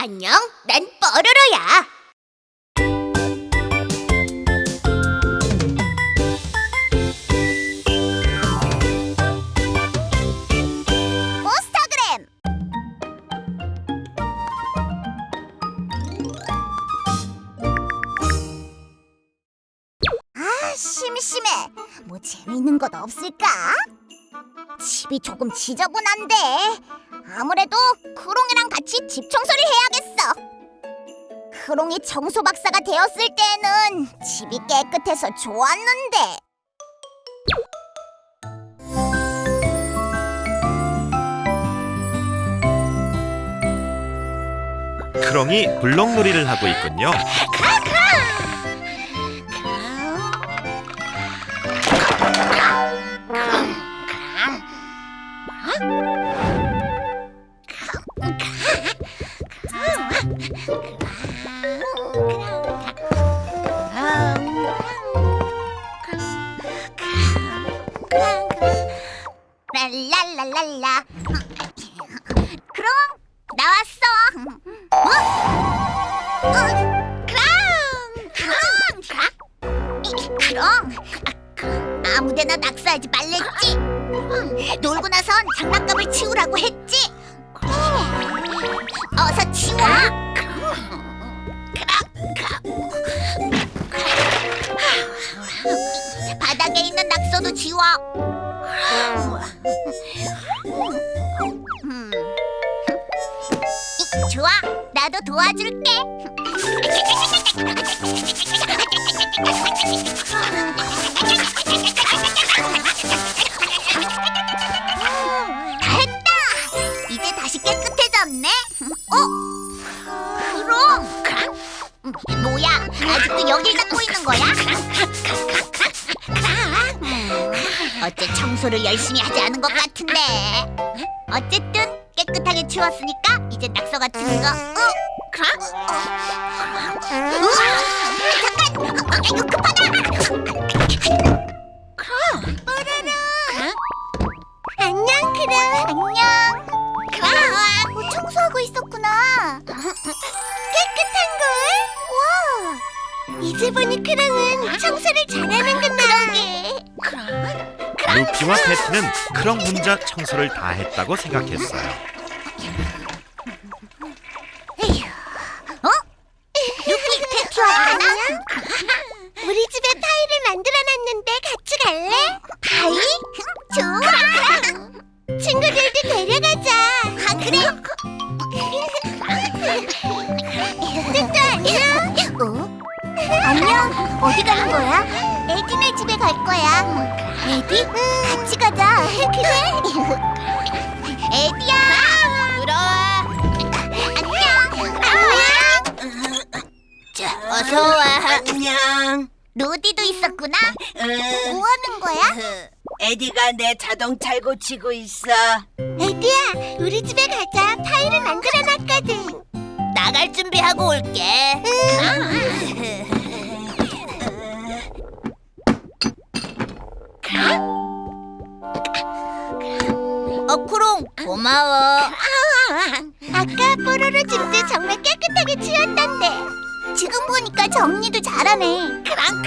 안녕, 난 뽀로로야. 포스타그램. 심심해. 뭐 재미있는 것 없을까? 집이 조금 지저분한데 아무래도 크롱이랑 같이 집 청소를 해야겠어. 크롱이 청소 박사가 되었을 때는 집이 깨끗해서 좋았는데. 크롱이 블록놀이를 하고 있군요. 랄랄랄랄라. 크롱, 나왔어. 크롱, 아무데나 낙서하지 말랬지. 놀고 나선 장난감을 치우라고 했지. 어서 치워. 바닥에 있는 낙서도 지워. 좋아, 나도 도와줄게. 다 했다. 이제 다시 깨끗해졌네. 그럼 뭐야, 아직도 여길 닦고 있는 거야? 어째 청소를 열심히 하지 않은 것 같은데. 어쨌든 깨끗하게 치웠으니까 이제 낙서 같은 거. 잠깐, 이거 급하다. 뽀로로. 안녕, 크롱. 안녕. 크롱. 청소하고 있었구나. 깨끗한 걸. 와. 이제 보니 크롱은 청소를 잘하는구나. 그러게. 루피와 패티는 크롱 혼자 청소를 다 했다고 생각했어요. 루피, 패티와 하나? 우리 집에 파이를 만들어놨는데 같이 갈래? 파이? 좋아. 친구들도 데려가자. 그래. 뚜뚜 안녕. 안녕. 어디 가는 거야? 에디네 집에 갈 거야. 에디? 같이 가자. 그래? 에디야. 들어와. 안녕. 자, 어서 와. 안녕. 로디도 있었구나. 뭐 하는 거야? 에디가 내 자동차를 고치고 있어. 에디야, 우리 집에 가자. 파이를 만들어놨거든. 나갈 준비하고 올게. 크롱, 고마워. 아까 뽀로로 집도 정말 깨끗하게 치웠던데. 지금 보니까 정리도 잘하네.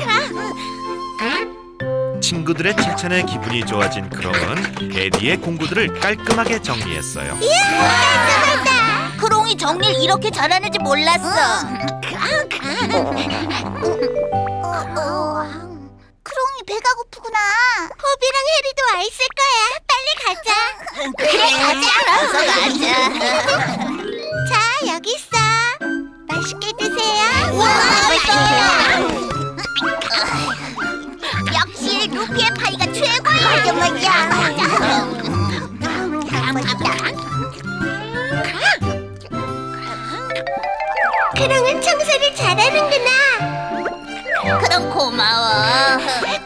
친구들의 칭찬에 기분이 좋아진 크롱은 에디의 공구들을 깔끔하게 정리했어요. 깔끔하다. 크롱이 정리를 이렇게 잘하는지 몰랐어. 크롱이 배가 고프구나. 호비랑 해리도 와 있을 거야. 빨리 가자. 그래, 가자. 어서 가자. 자, 여기 있어. 맛있게 드세요. 역시 루피의 파이가 최고야. 맞아. 크롱은 청소를 잘하는구나. 크롱 고마워.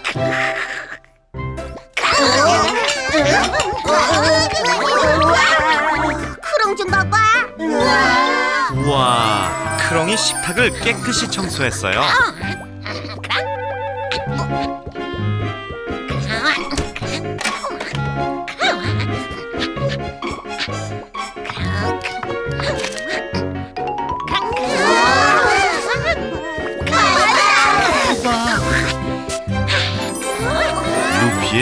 크롱 좀 봐봐. 우와, 크롱이 식탁을 깨끗이 청소했어요.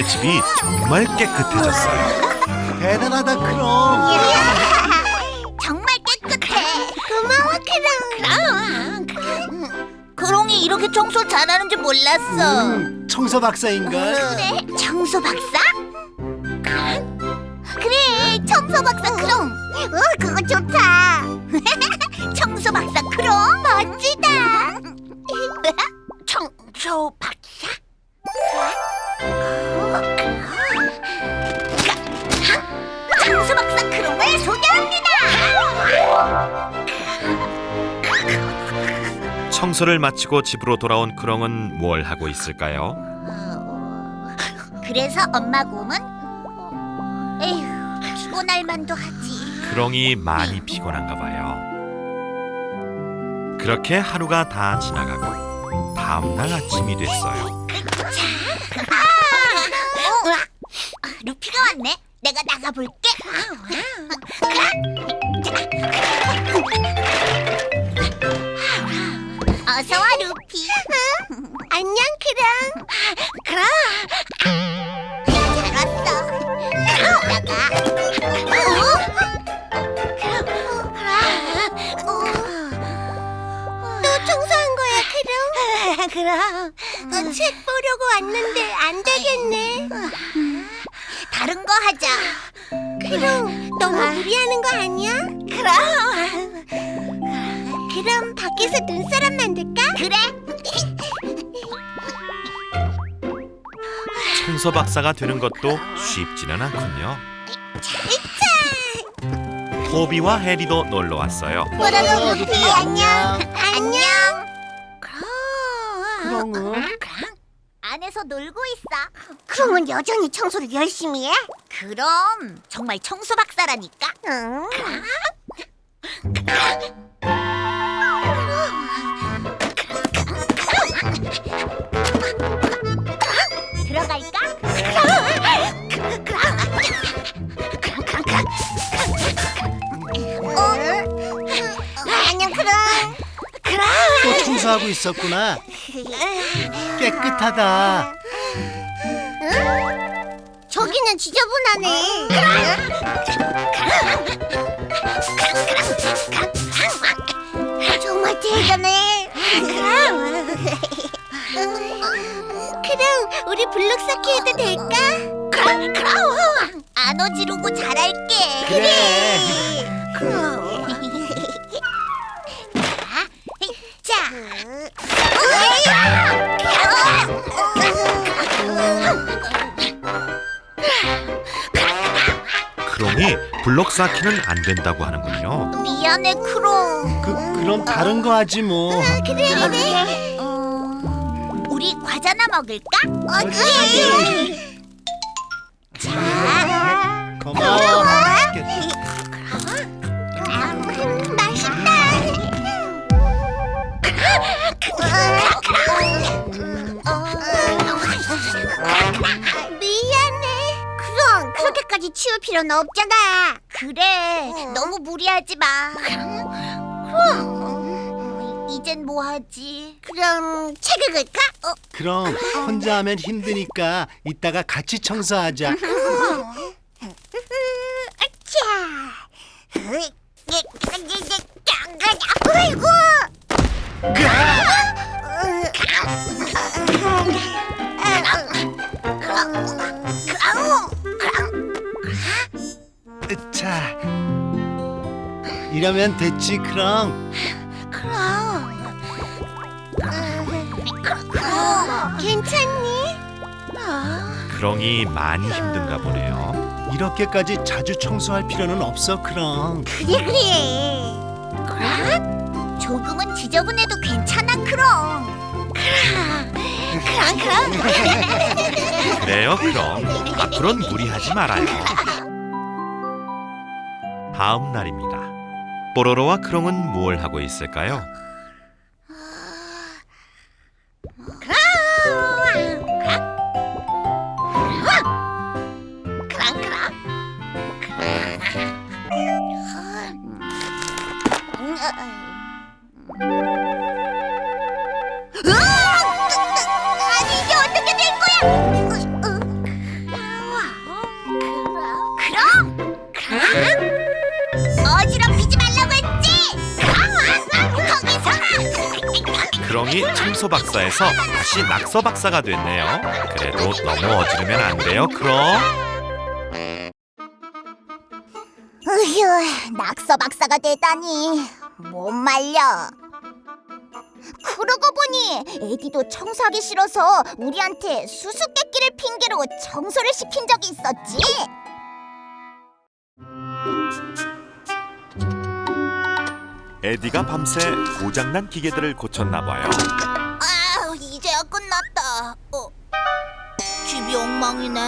크롱의 집이 정말 깨끗해졌어요. 대단하다 크롱. 정말 깨끗해. 고마워 크롱. 크롱이 이렇게 청소 잘하는지 몰랐어. 청소 박사인걸. 그래 청소 박사? 그래 청소 박사 크롱. 그거 좋다. 청소 박사 크롱 멋지다. 청소 박사? 청소 박사 크롱을 소개합니다. 청소를 마치고 집으로 돌아온 크롱은 뭘 하고 있을까요? 그래서 엄마 곰은 에휴 피곤할 만도 하지. 크롱이 많이 피곤한가 봐요. 그렇게 하루가 다 지나가고 다음날 아침이 됐어요. 루피가 왔네. 내가 나가볼게. 어서 와 루피. 안녕 크롱. 잘 왔어. 나가. 또 청소한 거야 크롱? 그럼. 책 보려고 왔는데 안 되겠네. 다른 거 하자. 그럼 너무 무리하는 거 아니야? 그럼 밖에서 눈사람 만들까? 그래. 청소 박사가 되는 것도 쉽지는 않군요. 호비와 해리도 놀러 왔어요. 뭐라고 루피 안녕. 안녕. 크롱은? 안에서 놀고 있어. 크롱은 여전히 청소를 열심히 해? 그럼 정말 청소 박사라니까. 응. 들어갈까? 안녕 크롱. 또 청소하고 있었구나. 깨끗하다. 저기는 지저분하네. 정말 대단해. 그럼 우리 블록 쌓기 해도 될까? 그럼 안 어지르고 잘할게. 그래. 자. 크롱이 블록 쌓기는 안 된다고 하는군요. 미안해 크롱. 그럼 다른 거 하지 뭐. 그래. 우리 과자나 먹을까? 그래. 자. 고마워. 맛있겠다. 맛있다. 미안해. 그럼 그렇게까지 치울 필요는 없잖아. 그래. 너무 무리하지 마. 그럼 이젠 뭐 하지? 그럼 책 읽을까? 그럼 혼자 하면 힘드니까 이따가 같이 청소하자. 아이고. 자, 이러면 됐지 크롱. 괜찮니? 크롱이 많이 힘든가 보네요. 이렇게까지 자주 청소할 필요는 없어 크롱. 그래. 조금은 지저분해도 괜찮아 크롱. 그래요, 크롱. 앞으론 무리하지 말아요. 다음 날입니다. 뽀로로와 크롱은 뭘 하고 있을까요? 아니 이게 어떻게 된 거야? 혜성이 청소 박사에서 다시 낙서 박사가 됐네요. 그래도 너무 어지르면 안 돼요, 그럼. 으휴, 낙서 박사가 되다니 못 말려. 그러고 보니 에디도 청소하기 싫어서 우리한테 수수께끼를 핑계로 청소를 시킨 적이 있었지. 에디가 밤새 고장난 기계들을 고쳤나 봐요. 아, 이제야 끝났다. 집이 엉망이네.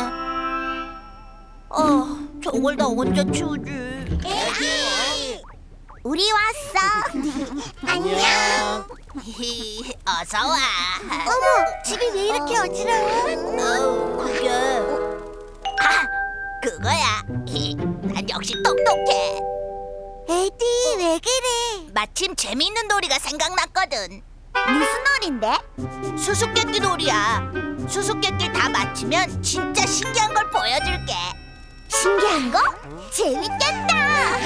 저걸 다 언제 치우지? 에디, 우리 왔어. 안녕. 어서 와. 어머, 집이 왜 이렇게 어지러워? 그게 그거야. 난 역시 똑똑해. 에디, 왜 그래? 마침 재미있는 놀이가 생각났거든. 무슨 놀인데? 수수께끼 놀이야. 수수께끼 다 맞히면 진짜 신기한 걸 보여줄게. 신기한 거? 재밌겠다.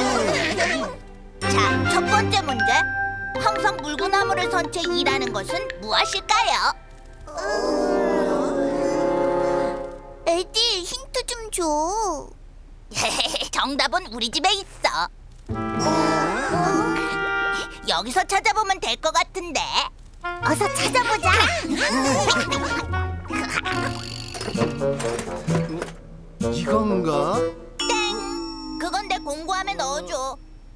자, 첫 번째 문제. 항상 물구나무를 선 채 일하는 것은 무엇일까요? 에디, 힌트 좀 줘. 정답은 우리 집에 있어. 여기서 찾아보면 될 것 같은데. 어서 찾아보자. 이건가? 땡! 그건 내 공구함에 넣어줘.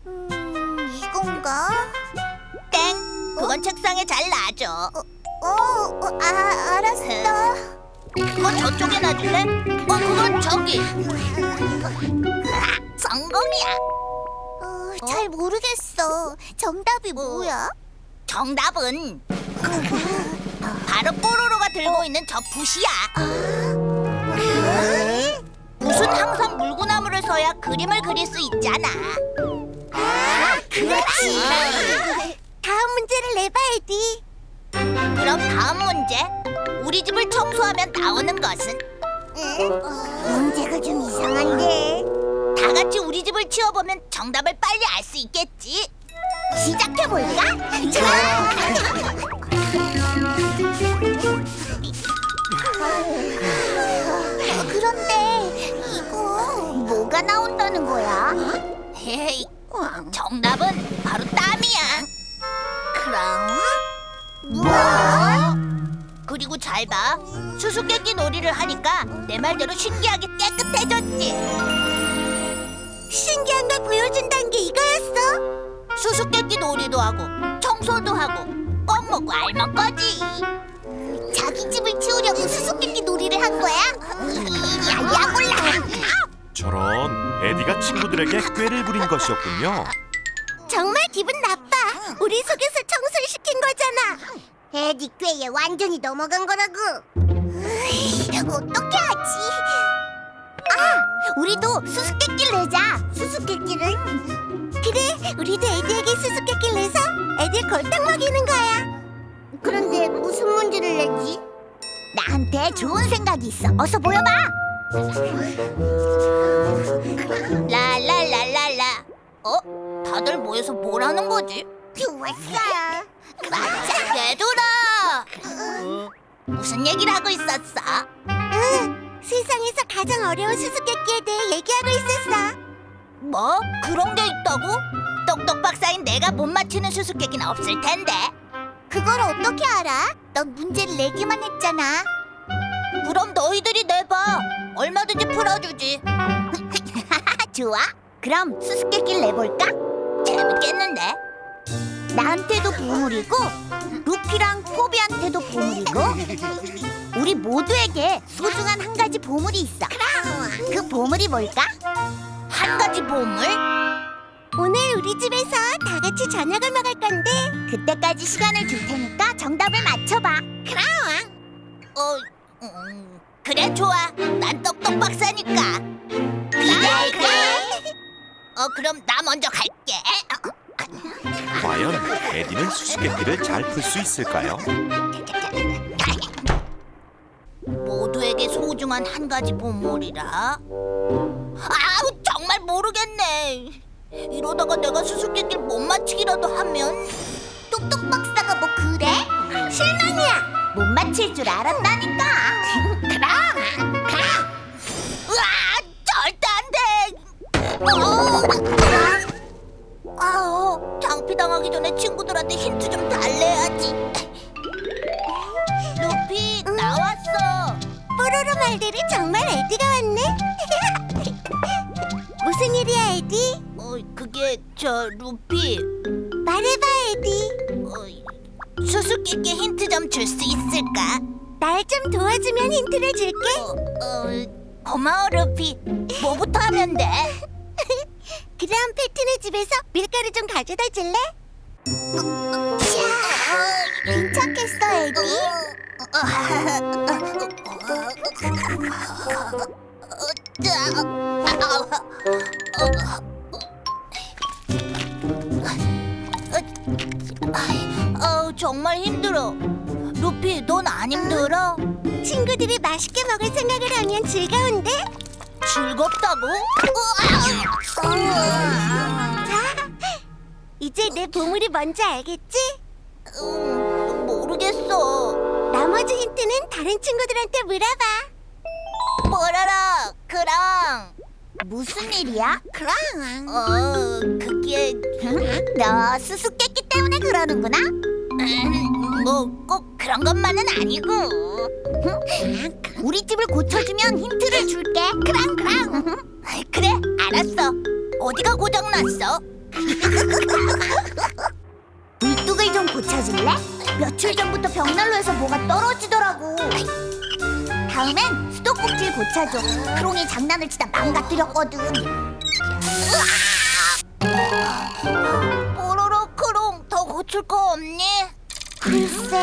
이건가? 땡! 그건 책상에 잘 놔줘. 알았어. 그건 저쪽에 놔줄래? 그건 저기. 성공이야. 잘 모르겠어. 정답이 뭐야? 정답은 바로 뽀로로가 들고 있는 저 붓이야. 붓은 항상 물구나무를 서야 그림을 그릴 수 있잖아. 그렇지. 다음 문제를 내봐, 에디. 그럼 다음 문제. 우리 집을 청소하면 나오는 것은? 문제가 좀 이상한데. 다 같이 우리 집을 치워보면 정답을 빨리 알 수 있겠지. 시작해볼까? 좋아. 그런데 이거 뭐가 나온다는 거야? 헤이, 정답은 바로 땀이야. 그럼? 뭐? 그리고 잘 봐. 수수께끼 놀이를 하니까 내 말대로 신기하게 깨끗해졌지. 신기한 걸 보여준다는 게 이거였어? 수수께끼 놀이도 하고 청소도 하고 껌 먹고 알 먹거지. 자기 집을 치우려고 수수께끼 놀이를 한 거야? 야, 몰라. 저런, 에디가 친구들에게 꾀를 부린 것이었군요. 정말 기분 나빠. 우리 속에서 청소를 시킨 거잖아. 에디 꾀에 완전히 넘어간 거라고. 어떻게 하지? 우리도 수수께끼를 내자. 수수께끼를? 그래, 우리도 에디에게 수수께끼를 내서 에디를 골탕 먹이는 거야. 그런데 무슨 문제를 내지? 나한테 좋은 생각이 있어. 어서 보여봐. 랄랄랄랄라. 다들 모여서 뭘 하는 거지? 좋았어. 맞아, 얘들아. 무슨 얘기를 하고 있었어? 세상에서 가장 어려운 수수께끼에 대해 얘기하고 있었어. 뭐? 그런 게 있다고? 똑똑 박사인 내가 못 맞히는 수수께끼는 없을 텐데. 그걸 어떻게 알아? 넌 문제를 내기만 했잖아. 그럼 너희들이 내봐. 얼마든지 풀어주지. 좋아. 그럼 수수께끼를 내볼까? 재밌겠는데? 나한테도 보물이고 루피랑 포비한테도 보물이고 우리 모두에게 소중한 한 가지 보물이 있어. 그 보물이 뭘까? 한 가지 보물? 오늘 우리 집에서 다 같이 저녁을 먹을 건데 그때까지 시간을 줄 테니까 정답을 맞춰봐. 그래, 좋아. 난 똑똑 박사니까. 그럼 나 먼저 갈게. 과연 에디는 수수께끼를 잘 풀 수 있을까요? 모두에게 소중한 한 가지 보물이라. 정말 모르겠네. 이러다가 내가 수수께끼를 못 맞히기라도 하면. 똑똑 박사가 뭐 그래? 못 맞힐 줄 알았다니까. 그럼 가. 으아, 절대 안 돼. 장피당하기 전에 친구들한테 힌트 좀 달래야지. 루피, 나왔어. 뽀로로 말들이 정말 에디가 왔네. 무슨 일이야, 에디? 그게 루피. 말해봐, 에디. 수수께끼 힌트 좀 줄 수 있을까? 날 좀 도와주면 힌트를 줄게. 고마워, 루피. 뭐부터 하면 돼? 그럼 패티네 집에서 밀가루 좀 가져다 줄래? 괜찮겠어, 에디? 정말 힘들어. 루피, 넌 안 힘들어? 친구들이 맛있게 먹을 생각을 하면 즐거운데? 즐겁다고? 자, 이제 내 보물이 뭔지 알겠지? 모르겠어. 나머지 힌트는 다른 친구들한테 물어봐. 뭐라라, 그랑. 무슨 일이야? 그럼. 그게 너 수수께끼 때문에 그러는구나? 뭐 꼭 그런 것만은 아니고. 우리 집을 고쳐주면 힌트를 줄게. 그럼. 그래, 알았어. 어디가 고장났어? 물뚝을 좀 고쳐줄래? 며칠 전부터 벽난로에서 뭐가 떨어지더라고. 다음엔 수도꼭지를 고쳐줘. 크롱이 장난을 치다 망가뜨렸거든. 뽀로로, 크롱, 더 고칠 거 없니? 글쎄.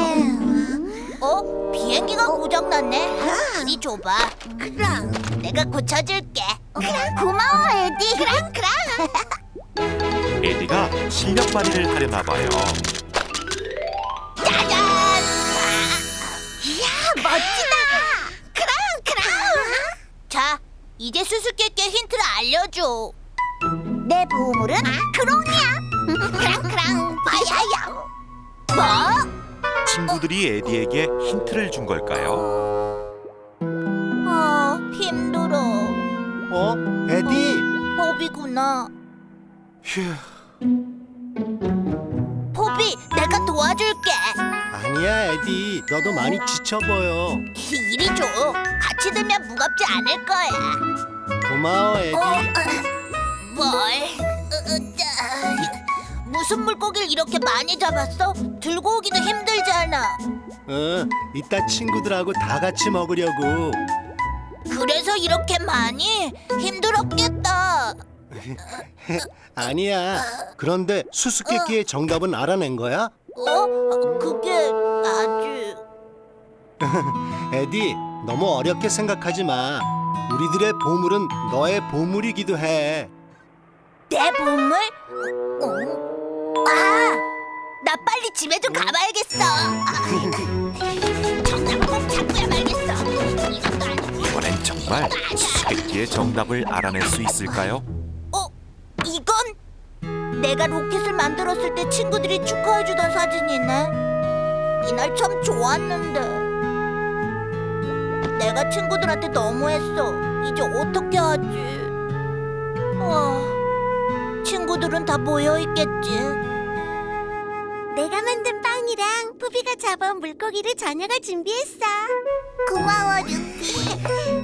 비행기가 고장났네. 이리 줘봐. 그럼. 내가 고쳐줄게. 고마워, 에디. 그럼. 에디가 실력 발휘를 하려나 봐요. 짜잔! 이야, 멋지다. 그럼. 자, 이제 수수께끼 힌트를 알려줘. 내 보물은 크롱이야. 그럼. 바야야. 뭐? 친구들이 에디에게 힌트를 준 걸까요? 힘들어. 에디? 포비구나. 휴, 포비, 내가 도와줄게. 아니야, 에디. 너도 많이 지쳐 보여. 이리 줘. 같이 들면 무겁지 않을 거야. 고마워, 에디. 뭘? 무슨 물고기를 이렇게 많이 잡았어? 들고 오기도 힘들잖아. 이따 친구들하고 다 같이 먹으려고. 그래서 이렇게 많이? 힘들었겠다. 아니야. 그런데 수수께끼의 정답은 알아낸 거야? 그게 아직... 에디, 너무 어렵게 생각하지 마. 우리들의 보물은 너의 보물이기도 해. 내 보물? 나 빨리 집에 좀 가봐야겠어. 정답을 꼭 찾고야 말겠어. 이것도 아니고. 이번엔 정말 수수께끼의 정답을 알아낼 수 있을까요? 이건? 내가 로켓을 만들었을 때 친구들이 축하해주던 사진이네. 이날 참 좋았는데. 내가 친구들한테 너무했어. 이제 어떻게 하지? 친구들은 다 모여있겠지. 내가 만든 빵이랑 푸비가 잡아온 물고기를 저녁을 준비했어. 고마워, 루피.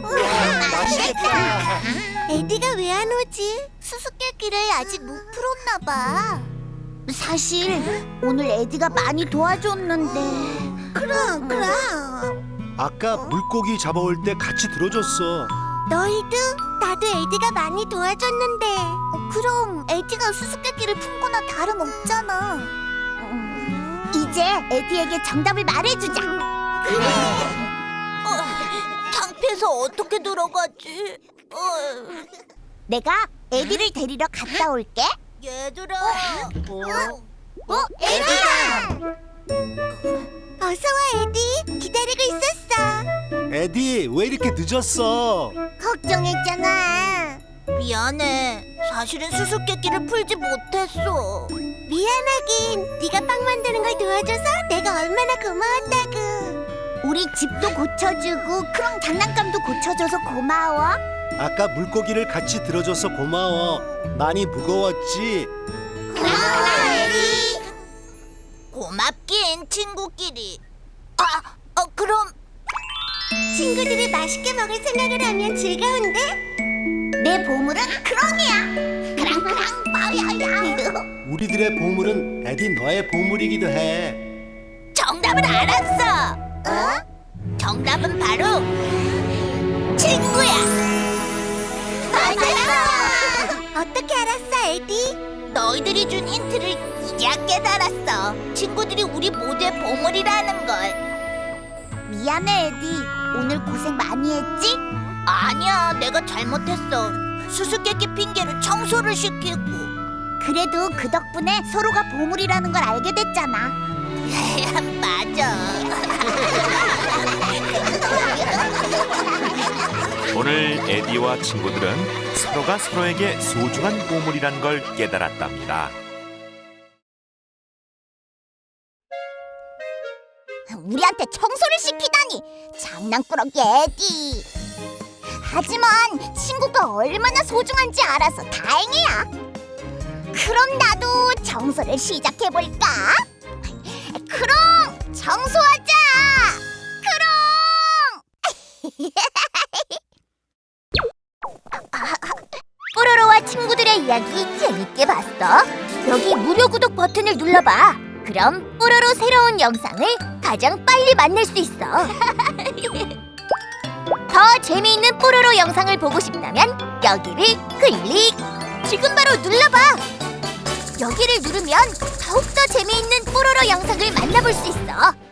맛있겠다. 에디가 왜 안 오지? 수수께끼를 아직 못 풀었나 봐. 사실 오늘 에디가 많이 도와줬는데. 그럼. 아까 물고기 잡아올 때 같이 들어줬어. 너희도? 나도 에디가 많이 도와줬는데. 그럼 에디가 수수께끼를 푼 거나 다름없잖아. 이제 에디에게 정답을 말해주자. 그래. 창피해서 어떻게 들어가지? 내가 에디를 데리러 갔다 올게. 얘들아. 에디야! 어서 와, 에디. 기다리고 있었어. 에디, 왜 이렇게 늦었어? 걱정했잖아. 미안해. 사실은 수수께끼를 풀지 못했어. 미안하긴. 네가 빵 만드는 걸 도와줘서 내가 얼마나 고마웠다고. 우리 집도 고쳐주고 크롱 장난감도 고쳐줘서 고마워. 아까 물고기를 같이 들어줘서 고마워. 많이 무거웠지? 고맙긴 친구끼리. 그럼 친구들이 맛있게 먹을 생각을 하면 즐거운데? 내 보물은 크롱이야. 크랑크랑 빠야야. 우리들의 보물은 에디 너의 보물이기도 해. 정답을 알았어. 정답은 바로 친구야. 맞았어. 어떻게 알았어, 에디? 너희들이 준 힌트를 이제야 깨달았어. 친구들이 우리 모두의 보물이라는 걸. 미안해, 에디. 오늘 고생 많이 했지? 아니야, 내가 잘못했어. 수수께끼 핑계로 청소를 시키고. 그래도 그 덕분에 서로가 보물이라는 걸 알게 됐잖아. 맞아. 오늘 에디와 친구들은 서로가 서로에게 소중한 보물이란 걸 깨달았답니다. 우리한테 청소를 시키다니 장난꾸러기 에디. 하지만 친구가 얼마나 소중한지 알아서 다행이야. 그럼 나도 청소를 시작해볼까? 크롱, 청소하자. 크롱. 뽀로로와 친구들의 이야기 재밌게 봤어? 여기 무료 구독 버튼을 눌러봐. 그럼 뽀로로 새로운 영상을 가장 빨리 만날 수 있어. 더 재미있는 뽀로로 영상을 보고 싶다면 여기를 클릭! 지금 바로 눌러봐! 여기를 누르면 더욱더 재미있는 뽀로로 영상을 만나볼 수 있어.